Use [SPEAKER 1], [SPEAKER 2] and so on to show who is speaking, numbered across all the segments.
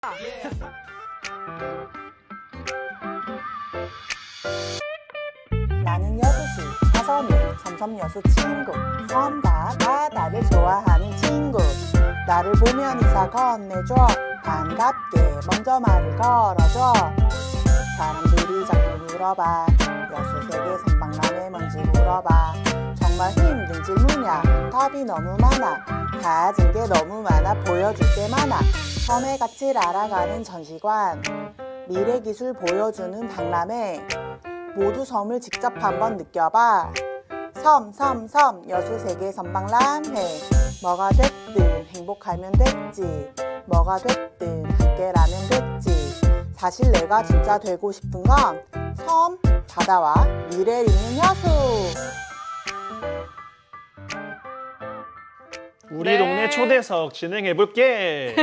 [SPEAKER 1] 나는 여수시 사서민 섬섬여수 친구 섬과 바다를 좋아하는 친구 나를 보면 인사 건네줘 반갑게 먼저 말을 걸어줘 사람들이 자꾸 물어봐 여수 세계 선박람회 뭔지 물어봐 정말 힘든 질문이야 답이 너무 많아 가진 게 너무 많아 보여줄 게 많아 섬의 가치를 알아가는 전시관 미래 기술 보여주는 박람회 모두 섬을 직접 한번 느껴봐 섬 여수 세계 선박람회 뭐가 됐든 행복하면 됐지 뭐가 됐든 함께라면 됐지 사실 내가 진짜 되고 싶은 건 섬, 바다와 미래를 잇는 여수
[SPEAKER 2] 우리
[SPEAKER 3] 네.
[SPEAKER 2] 동네 초대석 진행해볼게.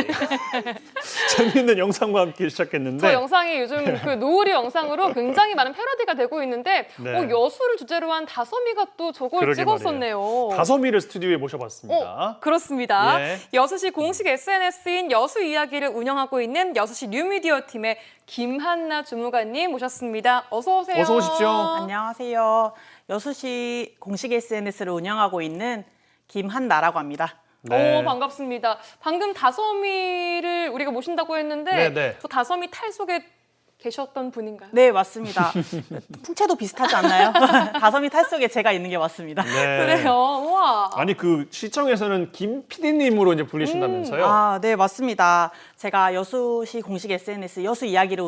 [SPEAKER 2] 재밌는 영상과 함께 시작했는데
[SPEAKER 3] 저 영상이 요즘 그 노을이 영상으로 굉장히 많은 패러디가 되고 있는데
[SPEAKER 2] 네.
[SPEAKER 3] 여수를 주제로 한 다솜이가 또 저걸
[SPEAKER 2] 그러게
[SPEAKER 3] 찍었었네요.
[SPEAKER 2] 다솜이를 스튜디오에 모셔봤습니다.
[SPEAKER 3] 그렇습니다.
[SPEAKER 2] 예.
[SPEAKER 3] 여수시 공식 SNS인 여수 이야기를 운영하고 있는 여수시 뉴미디어 팀의 김한나 주무관님 모셨습니다. 어서 오세요.
[SPEAKER 2] 어서 오십시오.
[SPEAKER 1] 안녕하세요. 여수시 공식 SNS를 운영하고 있는 김한나라고 합니다.
[SPEAKER 2] 네.
[SPEAKER 3] 반갑습니다. 방금 다솜이를 우리가 모신다고 했는데
[SPEAKER 2] 네네.
[SPEAKER 3] 저 다솜이 탈 속에 계셨던 분인가요?
[SPEAKER 1] 네, 맞습니다. 풍채도 비슷하지 않나요? 다솜이 탈 속에 제가 있는 게 맞습니다.
[SPEAKER 2] 네.
[SPEAKER 3] 그래요. 우와.
[SPEAKER 2] 아니 그 시청에서는 김 PD님으로 이제 불리신다면서요?
[SPEAKER 1] 아, 네, 맞습니다. 제가 여수시 공식 SNS 여수 이야기를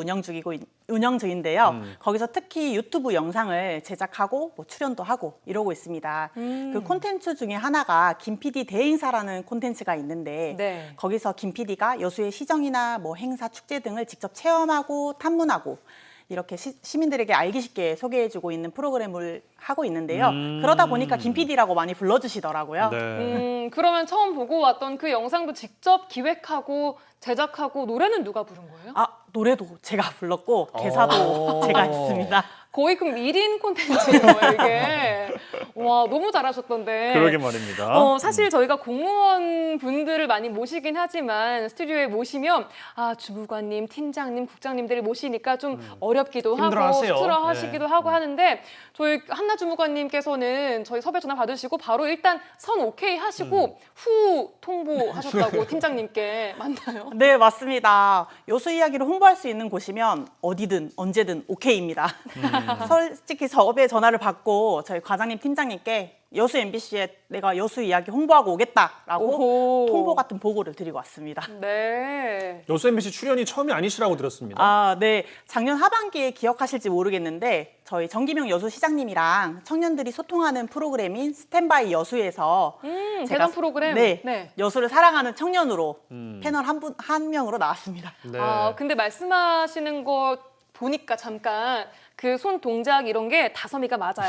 [SPEAKER 1] 운영 중인데요. 거기서 특히 유튜브 영상을 제작하고 뭐 출연도 하고 이러고 있습니다. 그 콘텐츠 중에 하나가 김 PD 대행사라는 콘텐츠가 있는데
[SPEAKER 3] 네.
[SPEAKER 1] 거기서 김 PD가 여수의 시정이나 뭐 행사, 축제 등을 직접 체험하고 탐문하고 이렇게 시민들에게 알기 쉽게 소개해주고 있는 프로그램을 하고 있는데요. 그러다 보니까 김 PD라고 많이 불러주시더라고요.
[SPEAKER 2] 네.
[SPEAKER 3] 그러면 처음 보고 왔던 그 영상도 직접 기획하고 제작하고 노래는 누가 부른 거예요?
[SPEAKER 1] 아, 노래도 제가 불렀고 개사도 제가 했습니다.
[SPEAKER 3] 거의 그럼 1인 콘텐츠인 거예요, 이게. 와, 너무 잘하셨던데.
[SPEAKER 2] 그러게 말입니다.
[SPEAKER 3] 사실 저희가 공무원 분들을 많이 모시긴 하지만 스튜디오에 모시면 주무관님, 팀장님, 국장님들을 모시니까 좀 어렵기도 하고
[SPEAKER 2] 힘들어하세요.
[SPEAKER 3] 스트레스하시기도
[SPEAKER 2] 네.
[SPEAKER 3] 하고 하는데 저희 한나 주무관님께서는 저희 섭외 전화 받으시고 바로 일단 선 오케이 하시고 후 통보하셨다고 팀장님께 맞나요?
[SPEAKER 1] 네, 맞습니다. 여수 이야기를 홍보할 수 있는 곳이면 어디든 언제든 오케이입니다. 솔직히 섭외 전화를 받고 저희 과장님, 팀장님께 여수 MBC에 내가 여수 이야기 홍보하고 오겠다라고
[SPEAKER 3] 오호.
[SPEAKER 1] 통보 같은 보고를 드리고 왔습니다.
[SPEAKER 3] 네.
[SPEAKER 2] 여수 MBC 출연이 처음이 아니시라고 들었습니다.
[SPEAKER 1] 아, 네. 작년 하반기에 기억하실지 모르겠는데 저희 정기명 여수시장님이랑 청년들이 소통하는 프로그램인 스탠바이 여수에서
[SPEAKER 3] 대단 프로그램.
[SPEAKER 1] 네,
[SPEAKER 3] 네.
[SPEAKER 1] 여수를 사랑하는 청년으로 패널 한 명으로 나왔습니다.
[SPEAKER 2] 네.
[SPEAKER 3] 근데 말씀하시는 거 보니까 잠깐 그 손 동작 이런 게 다솜이가 맞아요.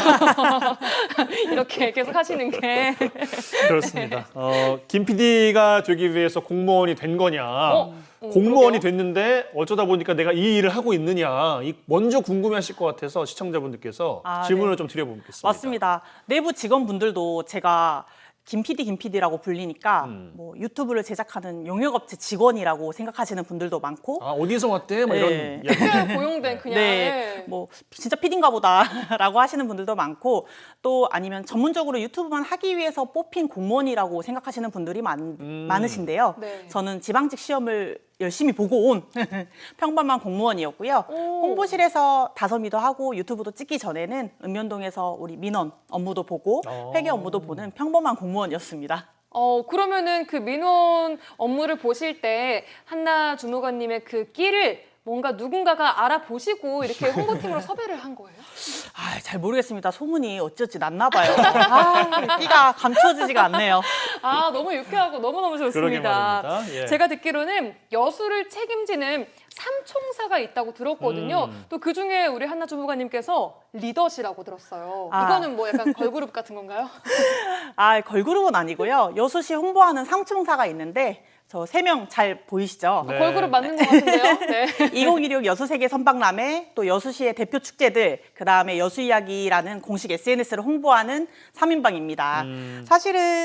[SPEAKER 3] 이렇게 계속 하시는 게.
[SPEAKER 2] 그렇습니다. 김 PD가 되기 위해서 공무원이 된 거냐? 공무원이
[SPEAKER 3] 그러게요.
[SPEAKER 2] 됐는데 어쩌다 보니까 내가 이 일을 하고 있느냐? 먼저 궁금해하실 것 같아서 시청자분들께서 질문을
[SPEAKER 1] 네.
[SPEAKER 2] 좀 드려보겠습니다.
[SPEAKER 1] 맞습니다. 내부 직원분들도 제가 김 PD라고 불리니까 뭐 유튜브를 제작하는 용역업체 직원이라고 생각하시는 분들도 많고
[SPEAKER 2] 아 어디서 왔대? 뭐
[SPEAKER 1] 네.
[SPEAKER 2] 이런 이야기.
[SPEAKER 3] 특별 고용된 그냥.
[SPEAKER 1] 네, 뭐 진짜 PD인가 보다라고 하시는 분들도 많고 또 아니면 전문적으로 유튜브만 하기 위해서 뽑힌 공무원이라고 생각하시는 분들이 많으신데요.
[SPEAKER 3] 네.
[SPEAKER 1] 저는 지방직 시험을 열심히 보고 온 평범한 공무원이었고요. 홍보실에서 다솜이도 하고 유튜브도 찍기 전에는 읍면동에서 우리 민원 업무도 보고 회계 업무도 보는 평범한 공무원이었습니다.
[SPEAKER 3] 그러면은 그 민원 업무를 보실 때 한나 주무관님의 그 끼를 뭔가 누군가가 알아보시고 이렇게 홍보팀으로 섭외를 한 거예요?
[SPEAKER 1] 아, 잘 모르겠습니다. 소문이 어찌어찌 났나 봐요. 아, 끼가 감추어지지가 않네요.
[SPEAKER 3] 너무 유쾌하고 너무너무
[SPEAKER 2] 그러게
[SPEAKER 3] 좋습니다.
[SPEAKER 2] 말입니다. 예.
[SPEAKER 3] 제가 듣기로는 여수를 책임지는 삼총사가 있다고 들었거든요. 또 그중에 우리 한나 주무관님께서 리더시라고 들었어요. 이거는 뭐 약간 걸그룹 같은 건가요?
[SPEAKER 1] 아, 걸그룹은 아니고요. 여수시 홍보하는 상총사가 있는데 저 3명 잘 보이시죠?
[SPEAKER 2] 네.
[SPEAKER 3] 걸그룹 맞는 것 같은데요? 네.
[SPEAKER 1] 2016 여수세계 선박람회, 또 여수시의 대표 축제들, 그다음에 여수이야기라는 공식 SNS를 홍보하는 3인방입니다. 사실은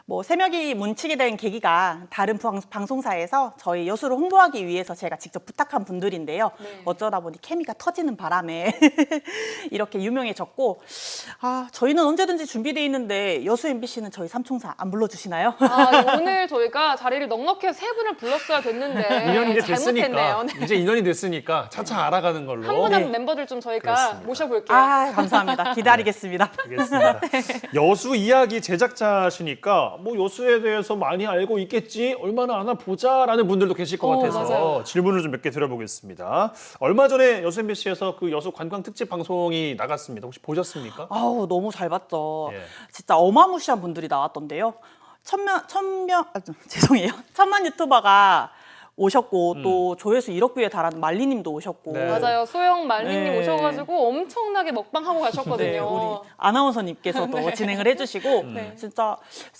[SPEAKER 1] 뭐 새벽이 뭉치게 된 계기가 다른 방송사에서 저희 여수를 홍보하기 위해서 제가 직접 부탁한 분들인데요.
[SPEAKER 3] 네.
[SPEAKER 1] 어쩌다 보니 케미가 터지는 바람에 이렇게 유명해졌고 저희는 언제든지 준비돼 있는데 여수 MBC는 저희 삼총사 안 불러주시나요?
[SPEAKER 3] 오늘 저희가 자리를 넉넉히 세 분을 불렀어야 됐는데
[SPEAKER 2] 인연이 이제
[SPEAKER 3] 잘못했네요.
[SPEAKER 2] 됐으니까
[SPEAKER 3] 네.
[SPEAKER 2] 이제 인연이 됐으니까 차차 알아가는 걸로.
[SPEAKER 3] 한 분 한 분 멤버들 좀 저희가
[SPEAKER 2] 그렇습니다.
[SPEAKER 3] 모셔볼게요.
[SPEAKER 1] 감사합니다. 기다리겠습니다.
[SPEAKER 2] 알겠습니다. 여수 이야기 제작자시니까 뭐 여수에 대해서 많이 알고 있겠지, 얼마나 아나 보자라는 분들도 계실 것 같아서
[SPEAKER 3] 맞아요.
[SPEAKER 2] 질문을 좀 몇 개 드려보겠습니다. 얼마 전에 여수 MBC에서 그 여수 관광 특집 방송이 나갔습니다. 혹시 보셨습니까?
[SPEAKER 1] 너무 잘 봤죠.
[SPEAKER 2] 예.
[SPEAKER 1] 진짜 어마무시한 분들이 나왔던데요. 죄송해요. 1000만 유튜버가 오셨고 또 조회수 1억 뷰에 달하는 말리님도 오셨고.
[SPEAKER 2] 네.
[SPEAKER 3] 맞아요. 소영 말리님
[SPEAKER 1] 네.
[SPEAKER 3] 오셔가지고 엄청나게 먹방하고 가셨거든요.
[SPEAKER 1] 네, 우리 아나운서님께서도 진행을 해주시고
[SPEAKER 3] 네.
[SPEAKER 1] 진짜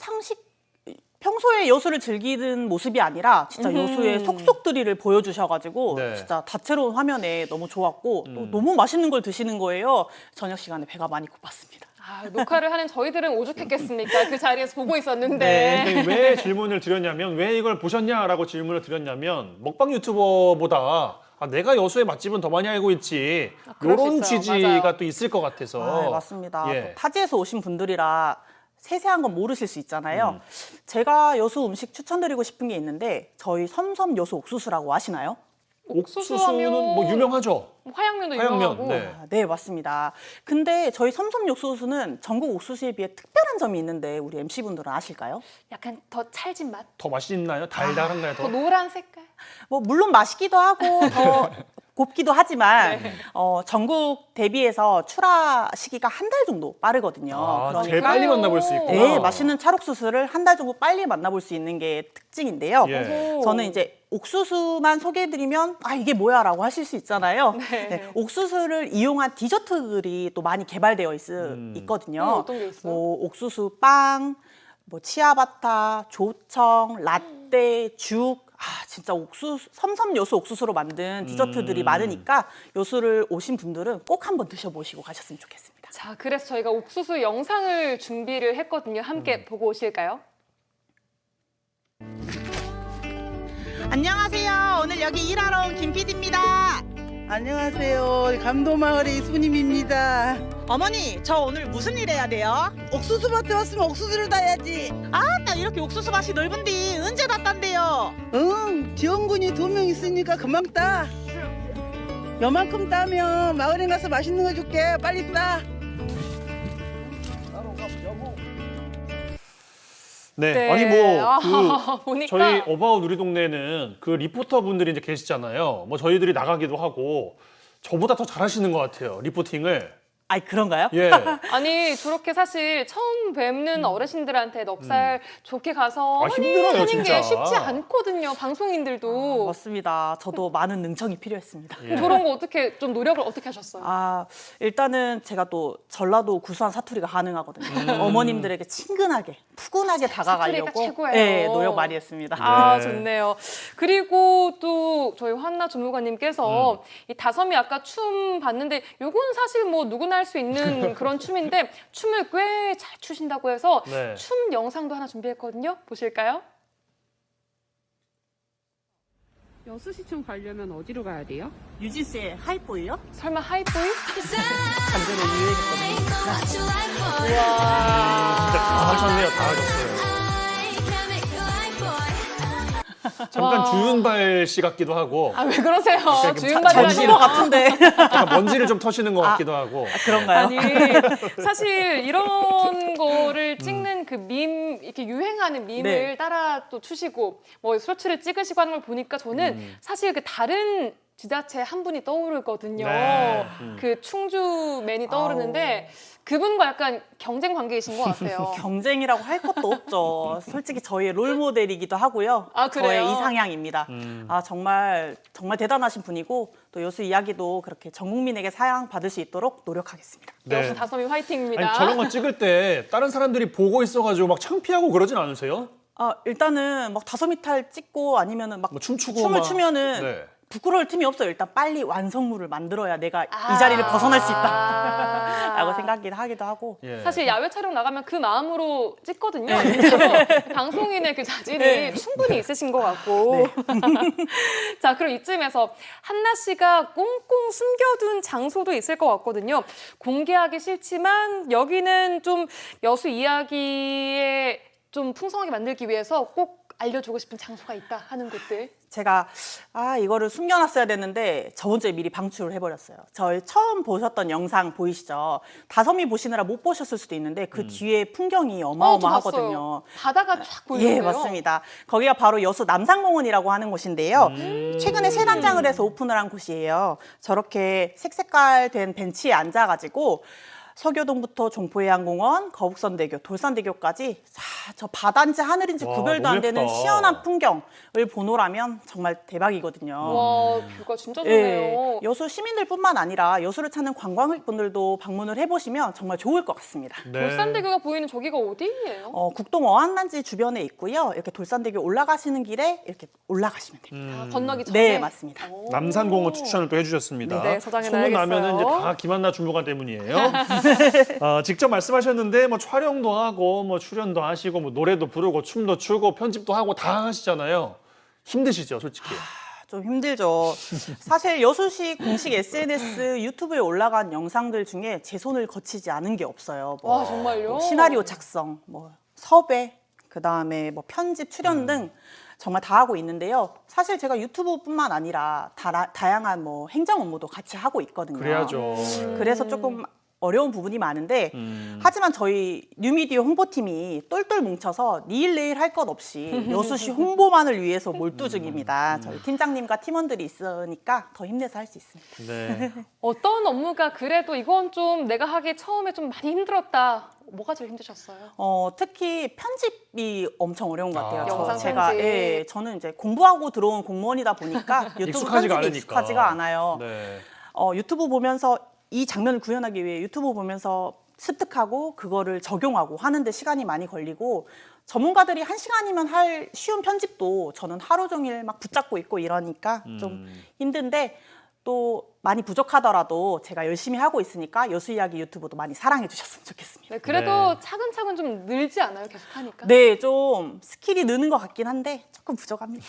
[SPEAKER 1] 평소에 여수를 즐기는 모습이 아니라 진짜 여수의 속속들이를 보여주셔가지고
[SPEAKER 2] 네.
[SPEAKER 1] 진짜 다채로운 화면에 너무 좋았고 또 너무 맛있는 걸 드시는 거예요. 저녁 시간에 배가 많이 고팠습니다.
[SPEAKER 3] 녹화를 하는 저희들은 오죽했겠습니까? 그 자리에서 보고 있었는데.
[SPEAKER 2] 네, 근데 왜 질문을 드렸냐면, 왜 이걸 보셨냐라고 질문을 드렸냐면, 먹방 유튜버보다 내가 여수의 맛집은 더 많이 알고 있지,
[SPEAKER 3] 그럴 수
[SPEAKER 2] 이런
[SPEAKER 3] 있어요.
[SPEAKER 2] 취지가
[SPEAKER 3] 맞아요.
[SPEAKER 2] 또 있을 것 같아서.
[SPEAKER 1] 맞습니다.
[SPEAKER 2] 예.
[SPEAKER 1] 또 타지에서 오신 분들이라 세세한 건 모르실 수 있잖아요. 제가 여수 음식 추천드리고 싶은 게 있는데 저희 섬섬 여수 옥수수라고 아시나요?
[SPEAKER 2] 옥수수는 뭐 유명하죠.
[SPEAKER 3] 화양면도
[SPEAKER 2] 화양면,
[SPEAKER 3] 유명하고.
[SPEAKER 2] 네.
[SPEAKER 1] 네, 맞습니다. 근데 저희 섬섬 옥수수는 전국 옥수수에 비해 특별한 점이 있는데 우리 MC분들은 아실까요?
[SPEAKER 3] 약간 더 찰진 맛?
[SPEAKER 2] 더 맛있나요? 달달한가요?
[SPEAKER 3] 더
[SPEAKER 2] 더?
[SPEAKER 3] 노란 색깔?
[SPEAKER 1] 뭐 물론 맛있기도 하고 더 곱기도 하지만
[SPEAKER 3] 네.
[SPEAKER 1] 전국 대비해서 출하 시기가 한 달 정도 빠르거든요.
[SPEAKER 2] 제일 빨리 만나볼 수 있구나.
[SPEAKER 1] 네, 맛있는 찰옥수수를 한 달 정도 빨리 만나볼 수 있는 게 특징인데요.
[SPEAKER 2] 예.
[SPEAKER 1] 저는 이제 옥수수만 소개해드리면 이게 뭐야라고 하실 수 있잖아요.
[SPEAKER 3] 네.
[SPEAKER 1] 옥수수를 이용한 디저트들이 또 많이 개발되어 있거든요.
[SPEAKER 3] 어떤 게 있어요?
[SPEAKER 1] 뭐 옥수수 빵, 뭐 치아바타, 조청, 라떼, 죽. 진짜 섬섬 여수 옥수수로 만든 디저트들이 많으니까 여수를 오신 분들은 꼭 한번 드셔보시고 가셨으면 좋겠습니다.
[SPEAKER 3] 자, 그래서 저희가 옥수수 영상을 준비를 했거든요. 함께 보고 오실까요?
[SPEAKER 1] 안녕하세요. 오늘 여기 일하러 온 김 PD입니다.
[SPEAKER 4] 안녕하세요. 감도마을의 이순임입니다.
[SPEAKER 1] 어머니, 저 오늘 무슨 일 해야 돼요?
[SPEAKER 4] 옥수수밭에 왔으면 옥수수를 따야지.
[SPEAKER 1] 나 이렇게 옥수수 밭이 넓은데 언제 다 딴대요?
[SPEAKER 4] 응, 지원군이 2명 있으니까 금방 따. 요만큼 따면 마을에 가서 맛있는 거 줄게. 빨리 따.
[SPEAKER 2] 네.
[SPEAKER 3] 네.
[SPEAKER 2] 아니 뭐
[SPEAKER 3] 보니까
[SPEAKER 2] 저희 어바웃 우리 동네는 그 리포터 분들이 이제 계시잖아요. 뭐 저희들이 나가기도 하고 저보다 더 잘하시는 것 같아요. 리포팅을.
[SPEAKER 1] 그런가요?
[SPEAKER 2] 예.
[SPEAKER 3] 아니 저렇게 사실 처음 뵙는 어르신들한테 넉살 좋게 가서
[SPEAKER 2] 힘들어요,
[SPEAKER 3] 하는
[SPEAKER 2] 진짜.
[SPEAKER 3] 게 쉽지 않거든요. 방송인들도.
[SPEAKER 1] 맞습니다. 저도 많은 능청이 필요했습니다.
[SPEAKER 2] 예.
[SPEAKER 3] 저런 거 어떻게 좀 노력을 어떻게 하셨어요?
[SPEAKER 1] 일단은 제가 또 전라도 구수한 사투리가 가능하거든요. 어머님들에게 친근하게, 푸근하게 다가가려고
[SPEAKER 3] 최고예요.
[SPEAKER 1] 네, 노력 많이 했습니다.
[SPEAKER 3] 아,
[SPEAKER 2] 네.
[SPEAKER 3] 좋네요. 그리고 또 저희 환나 주무관님께서 이 다섬이 아까 춤 봤는데 요건 사실 뭐 누구나 할 수 있는 그런 춤인데 춤을 꽤 잘 추신다고 해서
[SPEAKER 2] 네.
[SPEAKER 3] 춤 영상도 하나 준비했거든요. 보실까요?
[SPEAKER 5] 여수시청 가려면 어디로 가야 돼요?
[SPEAKER 1] 유진스의 하이보이요?
[SPEAKER 3] 설마 하이보이?
[SPEAKER 1] 간절히 유행했거든요.
[SPEAKER 2] 진짜 다 하셨네요. 다 하셨어요. 잠깐
[SPEAKER 3] 와.
[SPEAKER 2] 주윤발 씨 같기도 하고
[SPEAKER 3] 아, 왜 그러세요?
[SPEAKER 2] 잘
[SPEAKER 3] 주윤발이
[SPEAKER 1] 잘
[SPEAKER 3] 아니라.
[SPEAKER 1] 춘 것 같은데.
[SPEAKER 2] 약간 먼지를 좀 터시는 것 같기도 하고.
[SPEAKER 1] 그런가요?
[SPEAKER 3] 아니 사실 이런 거를 찍는 그 밈 이렇게 유행하는 밈을
[SPEAKER 1] 네.
[SPEAKER 3] 따라 또 추시고 뭐 쇼츠를 찍으시고 하는 걸 보니까 저는 사실 그 다른 지자체 한 분이 떠오르거든요.
[SPEAKER 2] 네.
[SPEAKER 3] 그 충주맨이 떠오르는데 그분과 약간 경쟁 관계이신 것 같아요.
[SPEAKER 1] 경쟁이라고 할 것도 없죠. 솔직히 저희의 롤모델이기도 하고요.
[SPEAKER 3] 아, 그래요?
[SPEAKER 1] 저의 이상향입니다. 정말 대단하신 분이고 또 여수 이야기도 그렇게 전 국민에게 사랑받을 수 있도록 노력하겠습니다.
[SPEAKER 3] 역시 다솜이 화이팅입니다.
[SPEAKER 2] 아니, 저런 거 찍을 때 다른 사람들이 보고 있어가지고 막 창피하고 그러진 않으세요?
[SPEAKER 1] 일단은 막 다솜이 탈 찍고 아니면은 막
[SPEAKER 2] 뭐 춤추고
[SPEAKER 1] 춤을
[SPEAKER 2] 막.
[SPEAKER 1] 추면은
[SPEAKER 2] 네.
[SPEAKER 1] 부끄러울 틈이 없어요. 일단 빨리 완성물을 만들어야 내가 이 자리를 벗어날 수 있다 라고 생각하기도 하고.
[SPEAKER 2] 예.
[SPEAKER 3] 사실 야외 촬영 나가면 그 마음으로 찍거든요. 진짜로 방송인의 그 자질이 충분히 있으신 것 같고. 자, 그럼 이쯤에서 한나 씨가 꽁꽁 숨겨둔 장소도 있을 것 같거든요. 공개하기 싫지만 여기는 좀 여수 이야기에 좀 풍성하게 만들기 위해서 꼭 알려주고 싶은 장소가 있다 하는 곳들.
[SPEAKER 1] 제가 이거를 숨겨놨어야 됐는데 저번 주에 미리 방출을 해버렸어요. 저희 처음 보셨던 영상 보이시죠? 다솜이 보시느라 못 보셨을 수도 있는데 그 뒤에 풍경이
[SPEAKER 3] 저
[SPEAKER 1] 어마어마하거든요.
[SPEAKER 3] 봤어요. 바다가 쫙 보이는데요.
[SPEAKER 1] 예, 맞습니다. 거기가 바로 여수 남산공원이라고 하는 곳인데요. 최근에 새 단장을 해서 오픈을 한 곳이에요. 저렇게 색색깔 된 벤치에 앉아가지고 서교동부터 종포해양공원, 거북선대교, 돌산대교까지 저 바다인지 하늘인지
[SPEAKER 2] 와,
[SPEAKER 1] 구별도 안
[SPEAKER 2] 너무
[SPEAKER 1] 되는
[SPEAKER 2] 예쁘다.
[SPEAKER 1] 시원한 풍경을 보노라면 정말 대박이거든요.
[SPEAKER 3] 와, 뷰가 진짜 좋네요.
[SPEAKER 1] 여수 시민들뿐만 아니라 여수를 찾는 관광객분들도 방문을 해보시면 정말 좋을 것 같습니다.
[SPEAKER 2] 네.
[SPEAKER 3] 돌산대교가 보이는 저기가 어디예요?
[SPEAKER 1] 국동 어항단지 주변에 있고요. 이렇게 돌산대교 올라가시는 길에 이렇게 올라가시면 됩니다.
[SPEAKER 3] 아, 건너기 전에?
[SPEAKER 1] 네, 맞습니다.
[SPEAKER 3] 오.
[SPEAKER 2] 남산공원 추천을 또 해주셨습니다.
[SPEAKER 3] 네, 저장해
[SPEAKER 2] 소문 나면은 이제
[SPEAKER 3] 놔야겠어요.
[SPEAKER 2] 다 김한나 주무관 때문이에요. 직접 말씀하셨는데 뭐 촬영도 하고 뭐 출연도 하시고 뭐 노래도 부르고 춤도 추고 편집도 하고 다 하시잖아요. 힘드시죠, 솔직히.
[SPEAKER 1] 좀 힘들죠. 사실 여수시 공식 SNS 유튜브에 올라간 영상들 중에 제 손을 거치지 않은 게 없어요.
[SPEAKER 3] 와, 정말요?
[SPEAKER 1] 시나리오 작성, 뭐 섭외, 그다음에 뭐 편집, 출연 등 정말 다 하고 있는데요. 사실 제가 유튜브뿐만 아니라 다양한 뭐 행정 업무도 같이 하고 있거든요.
[SPEAKER 2] 그래야죠.
[SPEAKER 1] 그래서 조금 어려운 부분이 많은데 하지만 저희 뉴미디어 홍보팀이 똘똘 뭉쳐서 니일 내일 할 것 없이 여수시 홍보만을 위해서 몰두 중입니다. 저희 팀장님과 팀원들이 있으니까 더 힘내서 할 수 있습니다.
[SPEAKER 2] 네.
[SPEAKER 3] 어떤 업무가 그래도 이건 좀 내가 하기 처음에 좀 많이 힘들었다. 뭐가 제일 힘드셨어요?
[SPEAKER 1] 특히 편집이 엄청 어려운 것 같아요.
[SPEAKER 2] 아.
[SPEAKER 3] 영상
[SPEAKER 1] 제가
[SPEAKER 3] 편집.
[SPEAKER 1] 저는 이제 공부하고 들어온 공무원이다 보니까 유튜브
[SPEAKER 2] 익숙하지가
[SPEAKER 1] 편집이
[SPEAKER 2] 않으니까.
[SPEAKER 1] 익숙하지가 않아요.
[SPEAKER 2] 네.
[SPEAKER 1] 유튜브 보면서 이 장면을 구현하기 위해 유튜브 보면서 습득하고 그거를 적용하고 하는데 시간이 많이 걸리고 전문가들이 1시간이면 할 쉬운 편집도 저는 하루 종일 막 붙잡고 있고 이러니까 좀 힘든데 또 많이 부족하더라도 제가 열심히 하고 있으니까 여수 이야기 유튜브도 많이 사랑해 주셨으면 좋겠습니다.
[SPEAKER 3] 네, 그래도
[SPEAKER 2] 네.
[SPEAKER 3] 차근차근 좀 늘지 않아요? 계속 하니까?
[SPEAKER 1] 네, 좀 스킬이 느는 것 같긴 한데 조금 부족합니다.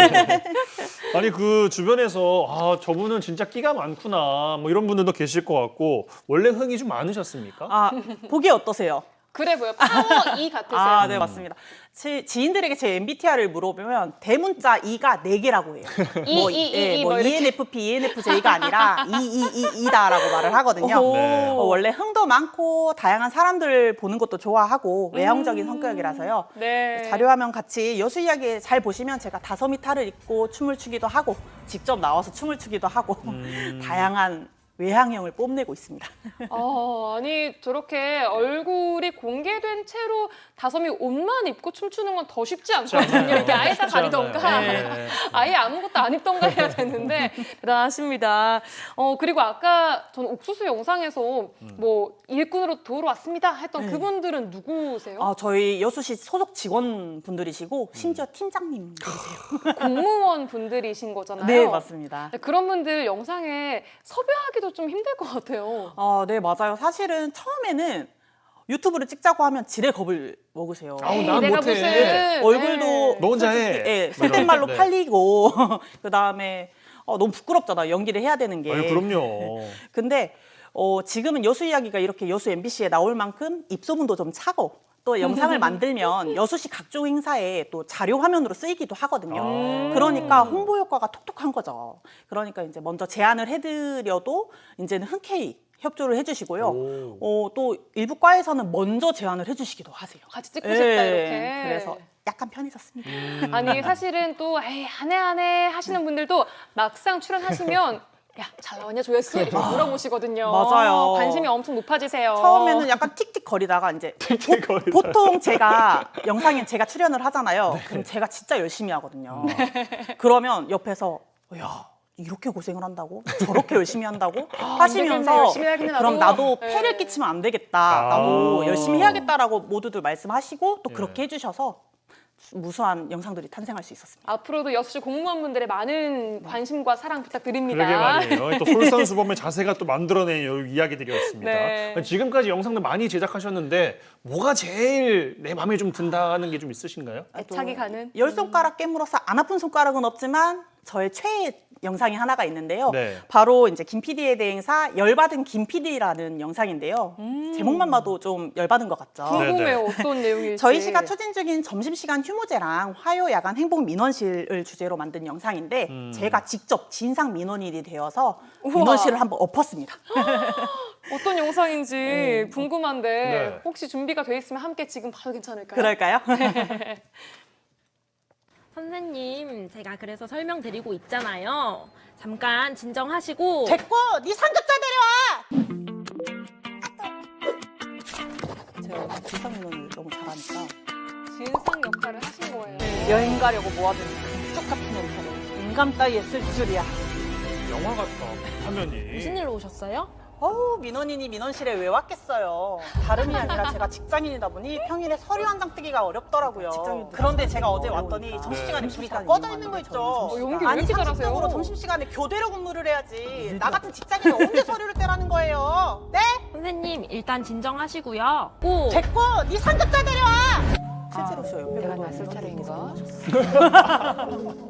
[SPEAKER 2] 아니 그 주변에서 저분은 진짜 끼가 많구나 뭐 이런 분들도 계실 것 같고 원래 흥이 좀 많으셨습니까?
[SPEAKER 1] 보기 어떠세요?
[SPEAKER 3] 그래 보여. 파워 E 같으세요.
[SPEAKER 1] 네, 맞습니다. 제 지인들에게 제 MBTI를 물어보면 대문자 E가 4개라고 해요.
[SPEAKER 3] 뭐 이렇게.
[SPEAKER 1] ENFP, ENFJ가 아니라 EEE다라고 말을 하거든요.
[SPEAKER 3] 오.
[SPEAKER 2] 네.
[SPEAKER 1] 원래 흥도 많고 다양한 사람들 보는 것도 좋아하고 외향적인 성격이라서요.
[SPEAKER 3] 네.
[SPEAKER 1] 자료화면 같이 여수 이야기 잘 보시면 제가 다솜이 탈을 입고 춤을 추기도 하고 직접 나와서 춤을 추기도 하고 다양한 외향형을 뽐내고 있습니다.
[SPEAKER 3] 아니 저렇게 얼굴이 공개된 채로 다솜이 옷만 입고 춤추는 건 더 쉽지 않거든요. 이렇게 아예 다 가리던가
[SPEAKER 2] 네.
[SPEAKER 3] 아예 아무것도 안 입던가 해야 되는데 대단하십니다. 그리고 아까 저는 옥수수 영상에서 뭐 일꾼으로 도우러 왔습니다 했던 그분들은 누구세요?
[SPEAKER 1] 저희 여수시 소속 직원분들이시고 심지어 팀장님들이세요.
[SPEAKER 3] 공무원 분들이신 거잖아요.
[SPEAKER 1] 네, 맞습니다.
[SPEAKER 3] 네, 그런 분들 영상에 섭외하기도 좀 힘들 것 같아요.
[SPEAKER 1] 네, 맞아요. 사실은 처음에는 유튜브를 찍자고 하면 지레 겁을 먹으세요.
[SPEAKER 2] 아우, 난
[SPEAKER 3] 내가
[SPEAKER 2] 못해.
[SPEAKER 3] 무슨
[SPEAKER 1] 얼굴도
[SPEAKER 2] 너 혼자 해.
[SPEAKER 1] 솔직히, 속된 말로
[SPEAKER 2] 네.
[SPEAKER 1] 팔리고 그다음에 너무 부끄럽잖아. 연기를 해야 되는 게.
[SPEAKER 2] 아유, 그럼요.
[SPEAKER 1] 근데 지금은 여수 이야기가 이렇게 여수 MBC에 나올 만큼 입소문도 좀 차고 또 영상을 만들면 여수시 각종 행사에 또 자료 화면으로 쓰이기도 하거든요. 그러니까 홍보 효과가 톡톡한 거죠. 그러니까 이제 먼저 제안을 해드려도 이제는 흔쾌히 협조를 해주시고요. 또 일부 과에서는 먼저 제안을 해주시기도 하세요.
[SPEAKER 3] 같이 찍고 싶다 이렇게.
[SPEAKER 1] 그래서 약간 편해졌습니다.
[SPEAKER 3] 아니 사실은 또 에이, 안 해 하시는 분들도 막상 출연하시면 야, 잘 나왔냐 조회수? 이렇게 물어보시거든요.
[SPEAKER 1] 맞아요.
[SPEAKER 3] 관심이 엄청 높아지세요.
[SPEAKER 1] 처음에는 약간 틱틱 거리다가 이제 보통 제가 영상에 제가 출연을 하잖아요. 그럼 제가 진짜 열심히 하거든요. 그러면 옆에서 야 이렇게 고생을 한다고? 저렇게 열심히 한다고? 하시면서
[SPEAKER 3] 열심히 해야겠네, 나도.
[SPEAKER 1] 그럼 나도
[SPEAKER 3] 네.
[SPEAKER 1] 폐를 끼치면 안 되겠다. 나도 열심히 해야겠다라고 모두들 말씀하시고 또 그렇게 해주셔서 무수한 영상들이 탄생할 수 있었습니다.
[SPEAKER 3] 앞으로도 여수시 공무원분들의 많은 관심과 사랑 부탁드립니다.
[SPEAKER 2] 그러게 말이에요. 또 솔선수범의 자세가 또 만들어낸 이 이야기들이었습니다.
[SPEAKER 3] 네.
[SPEAKER 2] 지금까지 영상들 많이 제작하셨는데 뭐가 제일 내 마음에 좀 든다는 게 좀 있으신가요?
[SPEAKER 3] 애착이 가는.
[SPEAKER 1] 열 손가락 깨물어서 안 아픈 손가락은 없지만 저의 최애 영상이 하나가 있는데요.
[SPEAKER 2] 네.
[SPEAKER 1] 바로 이제 김 PD의 대행사 열받은 김 PD라는 영상인데요. 제목만 봐도 좀 열받은 것 같죠.
[SPEAKER 3] 궁금해요. 어떤 내용일지.
[SPEAKER 1] 저희 시가 추진 중인 점심시간 휴무제랑 화요 야간 행복 민원실을 주제로 만든 영상인데 제가 직접 진상 민원인이 되어서
[SPEAKER 3] 우와.
[SPEAKER 1] 민원실을 한번 엎었습니다.
[SPEAKER 3] 어떤 영상인지 궁금한데
[SPEAKER 2] 네.
[SPEAKER 3] 혹시 준비가 돼 있으면 함께 지금 봐도 괜찮을까요?
[SPEAKER 1] 그럴까요?
[SPEAKER 6] 선생님, 제가 그래서 설명드리고 있잖아요. 잠깐 진정하시고.
[SPEAKER 1] 됐고, 네 상급자 데려와! 제가 진상 민원을 너무 잘하니까
[SPEAKER 3] 진상 역할을 하신 거예요.
[SPEAKER 1] 여행 가려고 모아둔 쭉 같은 영상을 인감 따위에 쓸 줄이야.
[SPEAKER 2] 영화 같다. 화면이.
[SPEAKER 6] 무슨 일로 오셨어요?
[SPEAKER 1] 어우, 민원인이 민원실에 왜 왔겠어요. 다름이 아니라 제가 직장인이다 보니 평일에 서류 한 장 뜨기가 어렵더라고요. 그런데 제가 어제 왔더니 점심시간에 불이 다 꺼져 있는 거 있죠.
[SPEAKER 3] 연기 왜
[SPEAKER 1] 아니,
[SPEAKER 3] 이렇게 잘하세요?
[SPEAKER 1] 상식적으로 점심시간에 교대로 근무를 해야지. 나 같은 직장인이 언제 서류를 떼라는 거예요. 네?
[SPEAKER 6] 선생님, 일단 진정하시고요. 꼭.
[SPEAKER 1] 됐고, 네 상급자 데려와! 실제로 저 옆에
[SPEAKER 3] 내가
[SPEAKER 1] 보던
[SPEAKER 3] 낯설
[SPEAKER 1] 민원인께서
[SPEAKER 3] 차례인가?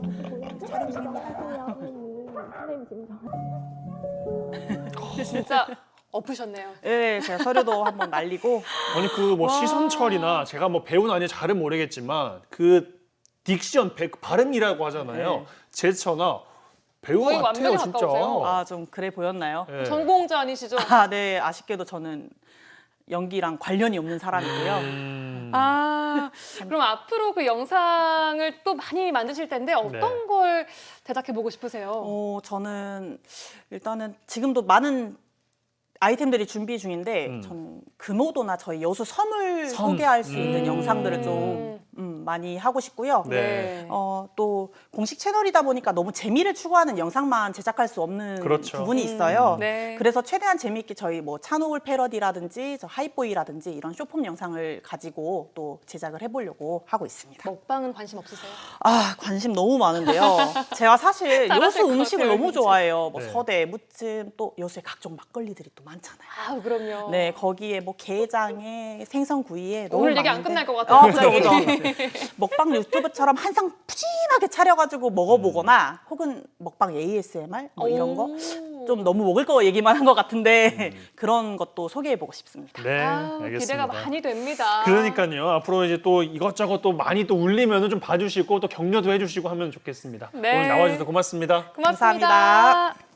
[SPEAKER 3] 진짜 엎으셨네요.
[SPEAKER 1] 네, 제가 서류도 한번 날리고
[SPEAKER 2] 아니 그 뭐 시선철이나 제가 뭐 배우는 아닌지 잘은 모르겠지만 그 딕션 발음이라고 하잖아요.
[SPEAKER 1] 네.
[SPEAKER 2] 제스처나 배우
[SPEAKER 3] 거의
[SPEAKER 2] 같아요
[SPEAKER 3] 완전히
[SPEAKER 2] 진짜.
[SPEAKER 3] 가까우세요.
[SPEAKER 1] 아, 좀 그래 보였나요?
[SPEAKER 2] 네.
[SPEAKER 3] 전공자 아니시죠?
[SPEAKER 1] 아, 네, 아쉽게도 저는 연기랑 관련이 없는 사람이고요.
[SPEAKER 3] 아, 그럼 앞으로 그 영상을 또 많이 만드실 텐데 어떤
[SPEAKER 2] 네.
[SPEAKER 3] 걸 제작해 보고 싶으세요?
[SPEAKER 1] 저는 일단은 지금도 많은 아이템들이 준비 중인데 저는 금오도나 저희 여수 섬을
[SPEAKER 2] 섬.
[SPEAKER 1] 소개할 수 있는 영상들을 좀 많이 하고 싶고요.
[SPEAKER 2] 네.
[SPEAKER 1] 또 공식 채널이다 보니까 너무 재미를 추구하는 영상만 제작할 수 없는
[SPEAKER 2] 그렇죠.
[SPEAKER 1] 부분이 있어요.
[SPEAKER 3] 네.
[SPEAKER 1] 그래서 최대한 재미있게 저희 뭐 찬호울 패러디라든지 저 하이보이라든지 이런 쇼폼 영상을 가지고 또 제작을 해보려고 하고 있습니다.
[SPEAKER 3] 먹방은 관심 없으세요?
[SPEAKER 1] 아, 관심 너무 많은데요. 제가 사실
[SPEAKER 3] 잘하실
[SPEAKER 1] 여수
[SPEAKER 3] 것
[SPEAKER 1] 음식을
[SPEAKER 3] 같아요,
[SPEAKER 1] 너무
[SPEAKER 3] 진짜.
[SPEAKER 1] 좋아해요. 뭐
[SPEAKER 2] 네.
[SPEAKER 1] 서대, 무침, 또 여수에 각종 막걸리들이 또 많잖아요.
[SPEAKER 3] 아, 그럼요.
[SPEAKER 1] 네, 거기에 뭐 게장에 생선구이에 너무
[SPEAKER 3] 오늘 얘기 안
[SPEAKER 1] 많은데.
[SPEAKER 3] 끝날 것 같아요.
[SPEAKER 1] 갑자기 먹방 유튜브처럼 한상 푸짐하게 차려가지고 먹어보거나 혹은 먹방 ASMR 뭐 이런 거 좀 너무 먹을 거 얘기만 한 것 같은데 그런 것도 소개해보고 싶습니다.
[SPEAKER 2] 네,
[SPEAKER 3] 아우,
[SPEAKER 2] 알겠습니다.
[SPEAKER 3] 기대가 많이 됩니다.
[SPEAKER 2] 그러니까요. 앞으로 이제 또 이것저것 또 많이 또 울리면은 좀 봐주시고 또 격려도 해주시고 하면 좋겠습니다.
[SPEAKER 3] 네.
[SPEAKER 2] 오늘 나와주셔서 고맙습니다.
[SPEAKER 3] 고맙습니다.
[SPEAKER 1] 감사합니다.